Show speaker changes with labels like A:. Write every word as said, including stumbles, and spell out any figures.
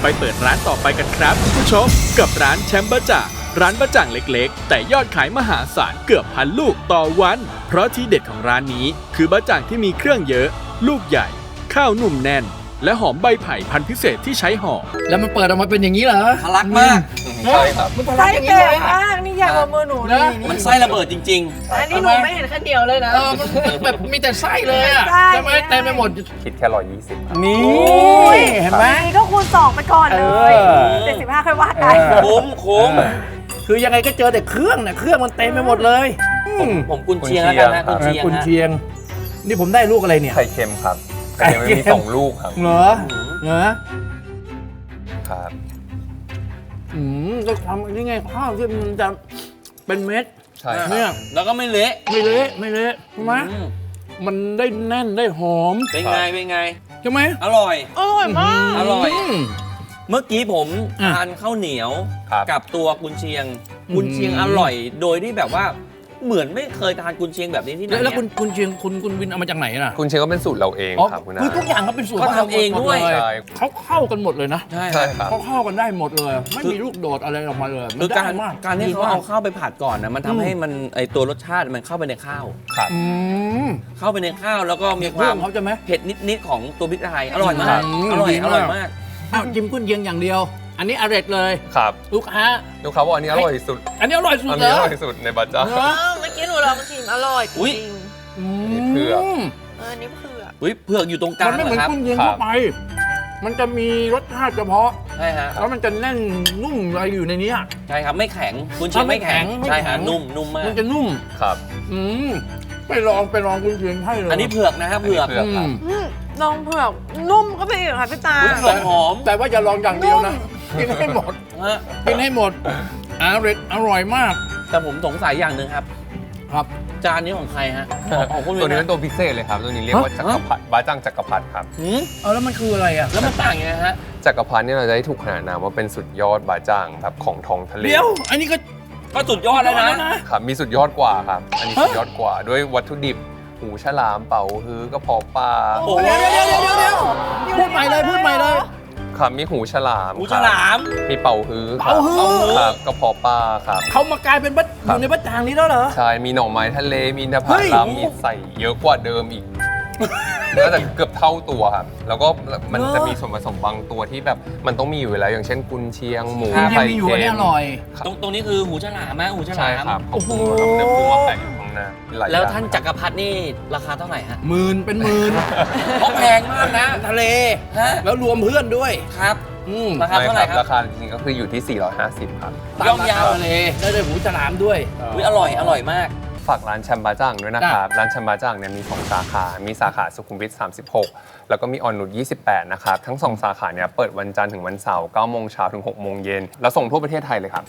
A: ไปเปิดร้านต่อไปกันครับคุณผู้ชมกับร้านแชมป์บะจ่างร้านบะจ่างเล็กๆแต่ยอดขายมหาศาลเกือบพันลูกต่อวันเพราะที่เด็ดของร้านนี้คือบะจ่างที่มีเครื่องเยอะลูกใหญ่ข้าวนุ่มแน่นและหอมใบไผ่พันธุ์พิเศษที่ใช้ห่อ
B: แล้วมันเปิดออกมาเป็นอย่างนี้เหรอ
C: ทะลักมาก
D: ใช่ครับ
B: มันทะลั
E: ไส้
B: กอย่าง
E: เต็
B: นี้
E: ม
B: เลย
E: มากนี่ใหญ่กว่ามือหนูนี่
C: มันไส้ระเบิดจริง
E: อันนี้หนูไม่เห็นขั้นเดียวเลยนะ
B: เออมันแบบมีแต่ไส้เลยอ่ะ
E: ใช่
B: ใช่ไหมเต็มไปหมด
D: คิดแค่ร้อยยี่สิบครับ
B: นี่
E: ย
B: เห็นไหม
E: อันนี้ก็คูณสองไปก่อนเลย
B: เออ
E: เจ็ดสิบห้าค่อยว่ากัน
C: ๆคุ้มคุ้ม
B: คือยังไงก็เจอแต่เครื่องเนี่ยเครื่องมันเต็มไปหมดเลยอืม
C: ผมกุนเชียงแล้วกันนะกุนเชียง
B: กุน
C: ฮะ
B: เชียง นี่ผมได้ลูกอะไรเนี่ย
D: ไข่เค็มครับไข่เค็มมันมีสองลูกครับ
B: เหรอเหรอ
D: ครับ
B: อืมก็ทำนี่ไงข้าวที่มันจะเป็นเม็ด
D: ใช่ครับ
B: เนี่ย
C: แล้วก็ไม่เละ
B: ไม่เละไม่เละใช่ไหม
C: อืม
B: มันได้แน่นได้หอม
C: เป็นไงเป็นไง
B: ใช่ไหม
C: อร่อย
E: อร่อยมาก
C: อร่อย
B: ม
C: เมื่อกี้ผม
B: อ่ะ
C: ทานข้าวเหนียว
D: ครับ
C: กับตัวกุนเชียง
B: อืม
C: กุนเชียงอร่อย โดยที่แบบว่าเหมือนไม่เคยทานกุนเชียงแบบนี้ที่ไหน
B: แล้วแล้ว
C: เนี่ย
B: คุณคุณเชียงคุณคุณวินเอามาจากไหนน่ะ
D: คุณเชียงก็เป็นสูตรเราเอง
B: อ๋อ
D: ครับคุณ
B: คือ
D: อา
B: ทุกอย่างเขาเป็นสูตร
C: เขาทำเองด้วย
B: หมล
D: ใช่
B: เขาเข้ากันหมดเลยนะ
C: ใช่
D: ใช่ครับ
B: เขาเข้ากันได้หมดเลย ไม่มีลูกโดดอะไรออกมาเลย
C: คือการ
B: ได้ม
C: การที่
B: ดี
C: เขา
B: ม
C: เอาข้าวไปผัดก่อนนะมันทำให้มันไอตัวรสชาติมันเข้าไปในข้าว
D: ครับ
B: อืม
C: เข้าไปในข้าวแล้วก็มีค
B: เรื่
C: วา
B: อ
C: ม
B: งเขาจะไหม
C: เผ็ดนิดๆของตัวพริกไทยอร่อยมาก
B: อืม
C: อร่อย
B: ดี
C: อ
B: มาก
C: ร่อยมาก
B: อ้าวจิ้มกุ้นเชียงอย่างเดียว อันนี้อร่อยเลย
D: ครับ
B: ลูกค้า
D: ลูกค้าบอกอันนี้อร่อยสุด
B: อันนี้อร่อยสุด
D: อัน
B: เล
D: นี้
B: ย
D: อร่อยสุดในบัตจ้า
B: เนอะ
E: เมื่อกี้หนูลองชิมอร่อยจ
C: อุ๊ย
E: ริง
B: อื
D: นี่เผือก
B: ม
E: ๆเอออันนี้เผือก
C: อุ้ยเผือกอยู่ตรงกลา
B: มั
C: ง
B: นไม่เหมือน
C: นะครับ
B: กุ้นเชียง
D: ครับ
B: ทั่วไป มันจะมีรสชาติเฉพาะ
C: ใช่ฮะ
B: แล้วมันจะแน่นนุ่มอะไรอยู่ในนี้อะ
C: ใช่ครับไม่แข็งกุนเชียงไม่แข็ง
B: ไม่แข็ง
C: ใช่ฮะ
B: ไม่แข็ง
C: นุ่มนุ่มมาก
B: มันจะนุ่ม
D: ครับ
B: อืมไปลองไปลองกุ้นเชียงให้เลย
C: อันนี้เผือกนะครับเผือก
D: อันนี้เผือก
B: อืม
E: อืมลองเผือกนุ่มก็ไปอีกค่ะพี่ตา
C: อุ๊ยเผือกหอม
B: แต่ว่าอย่าลองอย่างเดียวนะ กินให้หมด
C: ฮะ
B: กินให้หมดอร่อยอร่อยมาก
C: แต่ผมสงสัยอย่างหนึ่งครับ
B: ครับ
C: จานนี้ของใครฮะของของคุณ
D: ตัวนี้
C: วิ
D: เป็น นตัวพิเศษเลยครับ ตัวนี้เรียกว่า
B: ฮะ
D: จักรพรรดิบาจังจักรพรรดิครับ
C: หืม
B: เอาแล้วมันคืออะไรอ่ะ
C: แล้วมันต่างยังไงฮะ
D: จักรพรรดิเนี่ยเราจะได้ถูกขนานนามว่าเป็นสุดยอดบาจังครับของท้องทะเล
B: เดี๋ยว อันนี้ก็
C: ก็สุดยอดแล้วนะ
D: ครับมีสุดยอดกว่าครับ อันนี้
B: ฮะ
D: สุดยอดกว่าด้วยวัตถุดิบหูฉลามเป๋าฮื้อกระเพาะปลา
C: โอ้โห
B: เดี๋ยวเดี๋ยวเดี๋ยวเดี๋ยวเดี๋ยวพูดใหม่เลยพูดใหม่เลย
D: ครับมีหูฉลาม
C: หู
D: ค
C: ฉ
D: รับ
C: ลาม
D: มีเป่าฮื้อครับ
B: เป่าฮื้อ
D: ครับกระเพาะปลาครับ
B: เขามากลายเป็นบัตอยู่ในบัตจางนี้แล้วเหรอ
D: ใช่ มีหน่อไม้ทะเล มีนภา
B: เฮ้ย
D: ลัมมีใส่เยอะกว่าเดิมอีก น่าจะเกือบเท่าตัวครับ แล้วก็มันจะมีส่วนผสมบางตัวที่แบบมันต้องมีอยู่แล้ว อย่างเช่นกุนเชียงหมู
B: ยัง
D: ไข่
B: มีอยู่
D: เค็
B: อันนี้
D: ม
B: อร่อย
C: ตรงตรงนี้คือหูฉลามฮะหูฉลา
D: ใช่
C: ม
D: ครับเขา
B: โอ้โห
D: ปรุงมาครับเนื้อปรุงมาแปะอยู่ข้างหน้าหลาย
C: แล้ว
D: อย่ง
C: ท่านจักรพรรดินี่ราคาเท่าไหร่ฮะ
B: หมื่นเป็นหมื่น
C: เพราะแพงมากนะ
B: ทะเล
C: ฮะ
B: แล้วรวมเพื่อนด้วย
C: ครับ
B: อืม
C: ราคาเท่าไหร่ครับ
D: ราคาจริงๆก็คืออยู่ที่ สี่ร้อยห้าสิบ ครับ
C: ย่อมยาว
B: ทะเลได้เลยหูฉลามด้วย
C: อุ้ยอร่อยอร่อยมาก
D: ฝากร้านแชมบาจังด้วยนะครับ ร้านแชมบาจังเนี่ยมี สอง สาขา มีสาขาสุขุมวิท สามสิบหก แล้วก็มีออนนุช ยี่สิบแปด นะครับ ทั้ง สอง สาขาเนี่ยเปิดวันจันทร์ถึงวันเสาร์ เก้าโมงเช้าถึง หกโมงเย็น แล้วส่งทั่วประเทศไทยเลยครับ